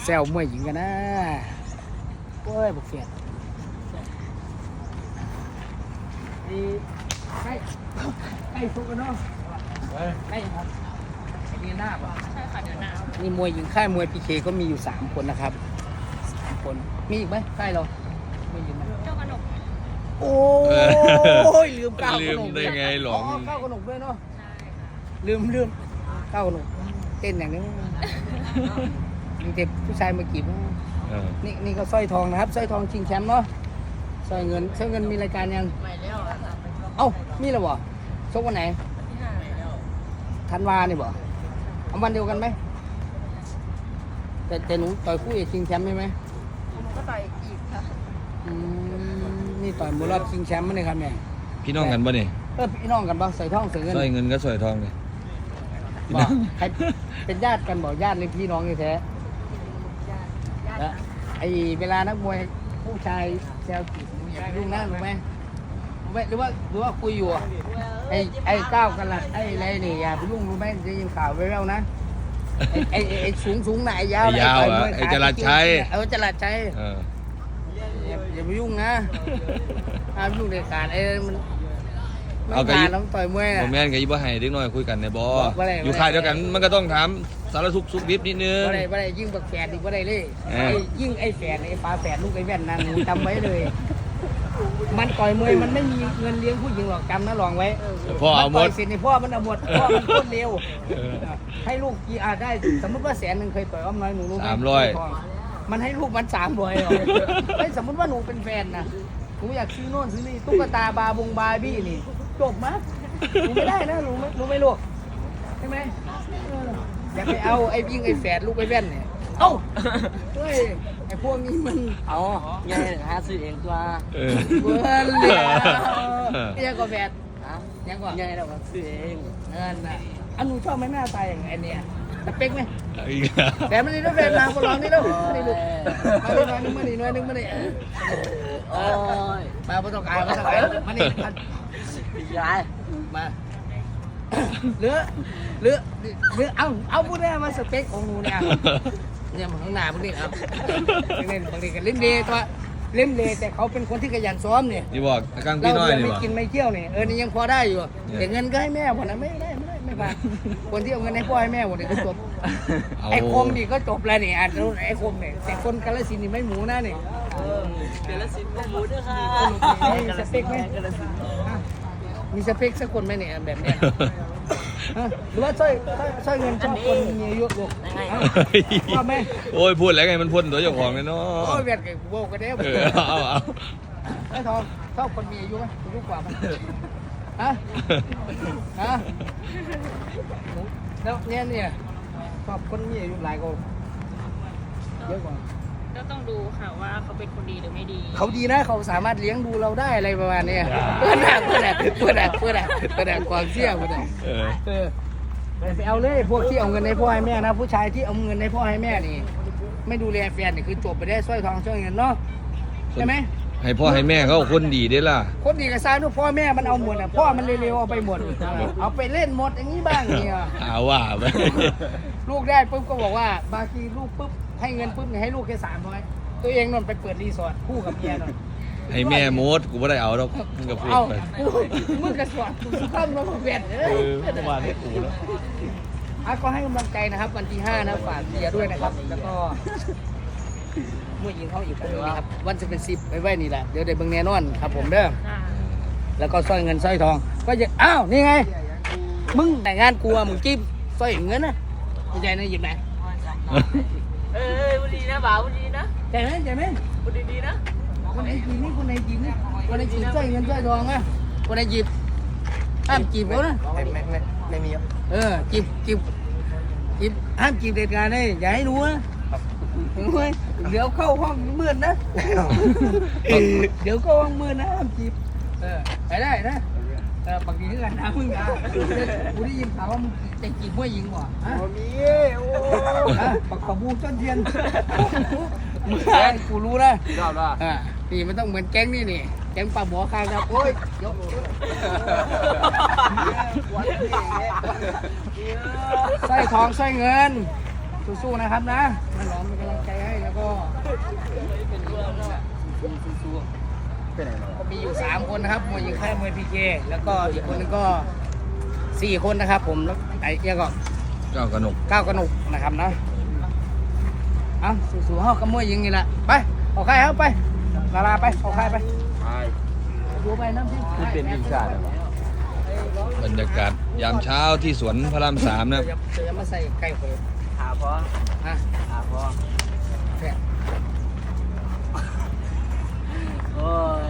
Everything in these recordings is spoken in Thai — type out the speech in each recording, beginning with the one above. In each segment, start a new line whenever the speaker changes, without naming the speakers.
ซวมวยหญิงกันนะโอ้ยบุกเฟียดใกล้ทุกกันเนาะใกล้ครับเดือนหน้าป่ะใช่ค่ะเดือนหน้านี่มวยหญิงค่ายมวยพีเคก็มีอยู่3 คนนะครับ3 คนมีอีกไหมค่ายเราไม่ยินไหมเจ้ากระหนกโอ้ยลืมก้าวกระหนก
ได้ไงหลง
ก้าวกระหนกด้วยเนาะลืมก้าวกระหนกเต้นอย่างนี้มีเด็กผู้ชายมาจีบนี่ก็สร้อยทองนะครับสร้อยทองชิงแชมป์เนาะสร้อยเงินมีรายการยังไม่แล้วเอ้ามีแล้วบ่ชกวันไหนธันวาเนี่ยบ่เอาวันเดียวกันไหมแต่หนูต่อยคู่เอกชิงแชมป์ใช่ไหมผมก็ต่อยอีกค่ะนี่ต่อยมวยรอบชิงแชมป์มั้ยเนี่ยครับแม่
พี่น้องกันป่ะเนี่ย
พี่น้องกันป่ะใส่ทองใส่เงิน
ใส่เงินก็ใส่ทองเลย
บอกใครเป็นญาติกันบอกญาติหรือพี่น้องนี่แท้แล้วไอ้เวลานักมวยผู้ชายแซวจีบอย่าไปยุ่งนะรู้ไหมหรือว่าคุยอยู่ไอ้ก้าวกันละไอ้อะไรนี่อย่าไปยุ่งรู้ไหมจะยินข่าวไว้แล้วนะไอ้สูงไหนยาว
ไอ้จรัสชัย
จรัสชัยอย่าไปยุ่งนะห้ามยุ่งเด็ดขาดไอ้มันเอากระยิบต่อยมวย
แม่นกับยี่บ้าให้เด็กน้อยคุยกันในบ่อยู่ค่ายเดียวกันมันก็ต้องถามสารทุกสุขดิบนิดนึง
บ่ได้ยิ่งบักแฝดอีกบ่ได้เลยยิ่งไอ้แฝดไอ้ฟ้าแฝดลูกไอ้แว่นนั่นจำไว้เลยมันต่อยมวยมันไม่มีเงินเลี้ยงผู้หญิงหรอกจำนะลองไว้
พ่อเอาหมด
สิพ่อมันเอาหมดพ่อมันโคตรเร็วให้ลูกกี่ได้สมมติว่า100,000เคยต่อยอ้อมน้อยหนูรู้ไหม300มันให้ลูกมัน300หรอไม่สมมติว่าหนูเป็นแฟนนะหนูอยากซื้อโน่นซื้อนี่ตุ๊กตาบาร์บี้นี่จบมั้ยรู้ไม่ได้นะรู้ไหมลูกใช่ไหมอย่าไปเอาไอ้ยิ่งไอ้แฝดลูกไอ้แว่นเนี่ยเอ้าเฮ้ยไอ้พวกนี้มัน
เอาไงหาซื้อเองตัว
เบิ้ลเลยยังกว่าแฝดยังกว่า
ไงเราซื้อเอง
น่ะอันหนูชอบไหมหน้าตาอย่างไอ้เนี่ยสเปคไหมแต่มันนี่ต้องแฝดมาคนร้องนี่แล้วนี่ลูกมานึงมาดิ
โอ้ย
มาประสบการณ์มานี่
ยาย
มาเลือเอาพูดได้มาสเปคของหนูเนี่ยมันข้างหน้าพวกนี้ครับเล่นบางทีกันเล่นเดย์ตัวเล่นเดย์แต่เขาเป็นคนที่ขยันซ้อมเนี่ย
นี่บอกกลางพี่น้อยนี่
ไม่กินไม่เที่ยวเนี่ยนี่ยังพอได้อยู่แต่เงินก็ให้แม่หมดนะไม่ผ่านคนที่เอาเงินให้พ่อให้แม่หมดเนี่ยก็จบไอ้คมนี่ก็จบแล้วนี่ไอ้คมเนี่ยแต่คนกาฬสินธุ์นี่ไม่หมูนะนี่
กาฬสินธุ์หมูด้วยค่ะ
มีสเปคไหมมีสเปคสักคนไหมเนี่ยแบบเนี้ยหรือว่าสร้อยเงินชอบคนมีอายุลูกว่าไหม
โอ้ยพูดแล้วไงมันพ่นตัวเจ้าของเลยเนาะ
โอ้ยเวียดกับโบกันเด้
เอา
ไอ้ทองชอบคนมีอายุไหมอายุกว่าไหมแล้วเนี่ยชอบคนมีอายุหลายคนเยอะกว่า
ก็ต้องดูค่ะว่าเขาเป็นคนดีหรือไม่ดี
เขาดีนะเขาสามารถเลี้ยงดูเราได้อะไรประมาณนี้เพื่อนความเชี่ยวไปเอาเลยพวกที่เอาเงินให้พ่อให้แม่นะผู้ชายที่เอาเงินให้พ่อให้แม่นี่ไม่ดูแลแฟนนี่คือจบไปได้สร้อยทองสร้อยเงินเนาะใช่ไหม
ให้พ่อให้แม่เขาคนดีได้ล่ะ
คนดีกับซ้ายทุกพ่อแม่มันเอาหมดอ่ะพ่อมันเร็วๆเอาไปหมดเอาไปเล่นหมดอย่างนี้บ้างเนี่ย
เอาว่าไป
ลูกได้ปุ๊บก็บอกว่าบางทีลูกปุ๊บให้เงินปุ๊บให้ลูกแค่300ตัวเองนนไปเปิดรีสอร์ทคู่กับเมียนน
ให้แม่โมดกูไม่ได้เอาหรอกมึงกับพูดไป
มึงกระสวดกูข้ามมาเปลี่ยน
ประมาณนี้กูแล้ว
ก็ให้กำลังใจนะครับวันที่5นะฝากเชียร์ด้วยนะครับแล้วก็มวยยิงเขาอีกคนนึงนะครับวันจะเป็น10ไปไว้นี่แหละเดี๋ยวได้เบิ่งแน่นอนครับผมเด้อแล้วก็สร้อยเงินสร้อยทองก็จะอ้าวนี่ไงมึงแต่งงานกลัวมึงจิ้มสร้อยเงินนะไม่ใช่นะหยิบไหน
วันดีนะบ่าววันดีนะ
ใจไหม
วันดีนะ
คนไหนจีบนี่คนไหนจีบสร้อยเงินสร้อยทองนะคนไหนจีบห้ามจีบเขานะ
ไม่มี
จีบห้ามจีบเด็ดขาดเลยอย่าให้รู้นะเดี๋ยวเข้าห้องมืดนะเดี๋ยวเข้าห้องมืดนะห้ามจีบไปได้นะบางทีก็กันนะมึงอ่ะกูได้ยินข่าวว่ามึงจะจีบผู้หญิงบ่
มี
ปักขบูต้นเทียนกูรู้นะนี่มันต้องเหมือนแก๊งนี่แก๊งปลาหมอคางครับโอ้ยยกสร้อยทองสร้อยเงินสู้ๆนะครับนะมันหลอมเป็นกำลังใจให้แล้วก็สู้ๆก็มีอยู่3คนนะครับมวยหญิงค่ายมวยพีเคแล้วก็อีกคนนึงก็4คนนะครับผมแล้วไอ้เอี้ยก็
เจ้ากระหนก
9กระหนุกนะครับนะเอาสู้ๆเฮากับมวยหญิงนี่แหละไปเอาใครเอาไปลาไปเอาใครไปดูไปน้ำที่เป็นทีมชาติ
บรรยากาศยามเช้าที่สวนพระราม3นะครับ
จะมาใส่ไก่เผย
หาพอ
ฮะ
หาพอ
แซ่บ
โอ้ย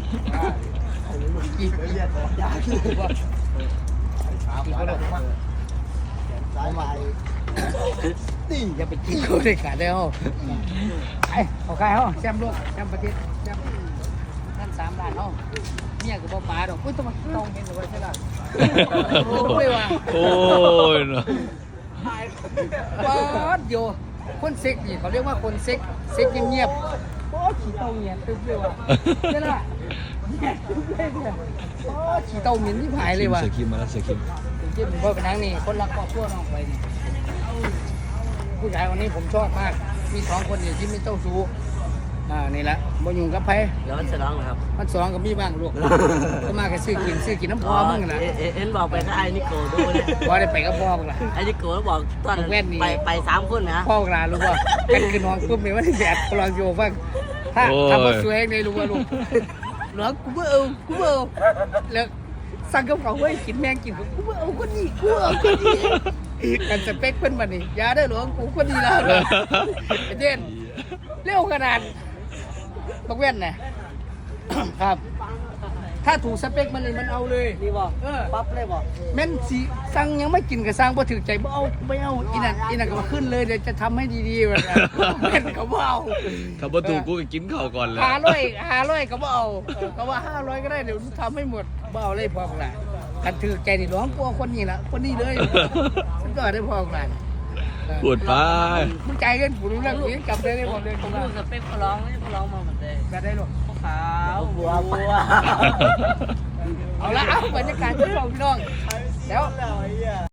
กี่เรียกยาคือว่ากี่คนหรอกสายใหม่นี่อย่าไปกินเขาได้ขาดแล้วไอ้เอาใครเขาแชมป์โลกแชมป์ประเทศแชมป์ท่าน3 ล้านเขาเมียกับบ่ป๋าดอกอุ้ยต้องเห็นหรือว่าใช่ล่ะโอ้ยว่ะ
โอ้ยเนาะ
ป๊อดโยคนเซ็กนี่เขาเรียกว่าคนเซ็กเงียบๆโอ้ขี้เต้าเงียบตึ๊บเลยว่ะใช่ล่ะเงียบตึ๊บเลยเนี่ยโอ้ขี้เต้าเหม็นที่หายเลยว่ะ
เสือคิมมาแล้วเสือคิม
จริงๆพ่อเป็นนางนี่คนรักครอบครัวน้องไปนี่ผู้ชายคนนี้ผมชอบมาก มี2 คนนี่ที่ไม่เจ้าชู้นี่แหละบ่ยุ่งกับไผ
เดี๋ยวมันจะร้องนะครับ
มัน2ก็มีบ้างลูกก็มาแค่ซื้อกินน้ำพอมึงน่ะ
เอ็นบอกไปถ้าไอ้นิโก้ดูเนี่ย
บ่ได้ไปกับพ่อมึงล่ะ
ไอ้นิโก้บอกตอน
แว่นนี่
ไป3 คนนะ
พ่อกลารู้ว่าเป็นคือน้องปุ๊บนี่มันแดดกลองโยฟังถ้าทำมาสวยในรู้ว่าลูกน้องกูเบเอาแล้วสั่งกับเขาไว้กินแมงกินกูเบเอาคนนี้กูเอาคนนี้กันสเปคเพิ่นบัดนี้อย่าได้หลวงกูคนนี้แล้วเด่นเร็วขนาดบักแว่นน่ะ ครับ ถ้าถูกสเปคมันนี่มันเอาเลย
นี่บอก
ปั๊บเลยบอกแม่นสิสั่งยังไม่กินกับสั่งบ่ถือใจบ่เอาไม่เอาอีนั่นก็มาขึ้นเลยเดี๋ยวจะทำให้ดีๆแบบนั้นแม่นก็บ่เอา
ถ้าประตูกูไปกินข้าวก่อนเลย
500ก็บ่เอาก็ว่า500ก็ได้เดี๋ยวทำให้หมดบ่เอาเลยพอกันกันถือใจนี่ร้องกลัวคนนี้ละคนนี้เลยมันก็ได้พอกัน
ปวดไป
มึงใจเล่นกูรู้เรื่องนี้กลับได้เลยผมเดินตรง
พู
นั้
ด
น
กับเป๊กเขาร้องไม่ใช่เขาร้องมาเหมือนเดิม
แบบได้หรอ
ขาวบัว
เอาละเอาบรรยากาศที่เราพี่น้องแล้ว